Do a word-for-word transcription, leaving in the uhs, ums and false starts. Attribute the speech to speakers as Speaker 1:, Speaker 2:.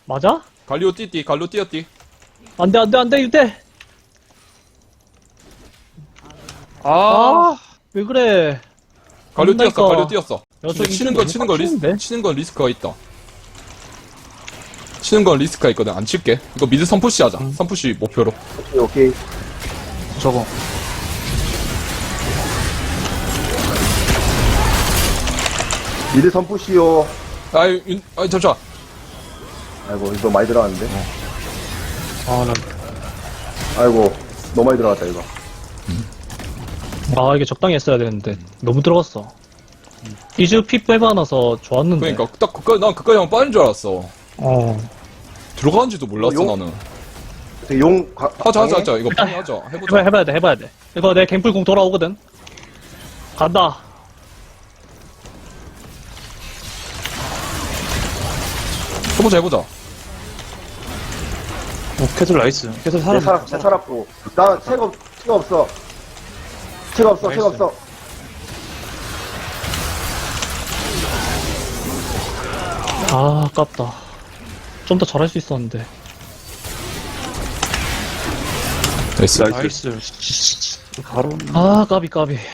Speaker 1: 맞아?
Speaker 2: 갈리오 띠띠, 갈리오 띠었띠.
Speaker 1: 안돼 안돼 안돼 이때.
Speaker 3: 아,
Speaker 1: 아 왜 그래?
Speaker 2: 갈리오
Speaker 1: 안다니까.
Speaker 2: 띠었어, 갈리오 띠었어.
Speaker 1: 야,
Speaker 2: 근데
Speaker 1: 저
Speaker 2: 치는
Speaker 1: 이거
Speaker 2: 거, 치는 거 리스,
Speaker 1: 빡치는데?
Speaker 2: 치는 건 리스크가 있다. 치는 건 리스크가 있거든. 안 칠게. 이거 미드 선푸시 하자. 선푸시 목표로.
Speaker 4: 오케이, 오케이.
Speaker 3: 저거.
Speaker 4: 미드 선푸시요.
Speaker 2: 아이, 윤, 아이, 잠시만.
Speaker 4: 아이고, 이거 많이 들어갔는데.
Speaker 3: 아, 난
Speaker 4: 아이고, 너무 많이 들어갔다, 이거.
Speaker 1: 아 이게 적당히 했어야 되는데 너무 들어갔어. 이즈 피 빼봐놔서 좋았는데.
Speaker 2: 그러니까, 딱 그까지, 난 그까지 하면 빠진 줄 알았어.
Speaker 1: 어.
Speaker 2: 들어가는지도 몰랐어,
Speaker 4: 용-
Speaker 2: 나는.
Speaker 4: 되게 용, 가,
Speaker 2: 하자, 하자,
Speaker 4: 강해?
Speaker 2: 하자. 이거 빨리 하자.
Speaker 1: 해봐
Speaker 2: 해보자.
Speaker 1: 해봐야 돼 해봐야 돼. 이거 내 갱플공 돌아오거든. 간다.
Speaker 2: 해보자, 해보자.
Speaker 3: 오, 캐슬 나이스. 캐슬
Speaker 4: 내
Speaker 3: 사람.
Speaker 4: 살, 내 살았고. 나 채가, 없- 채가 없어. 채가 없어, 채가
Speaker 3: 나이스.
Speaker 4: 없어.
Speaker 1: 아 아깝다. 좀 더 잘할 수 있었는데.
Speaker 2: 나이스.
Speaker 3: 나이스. 바로.
Speaker 1: 아 까비 까비.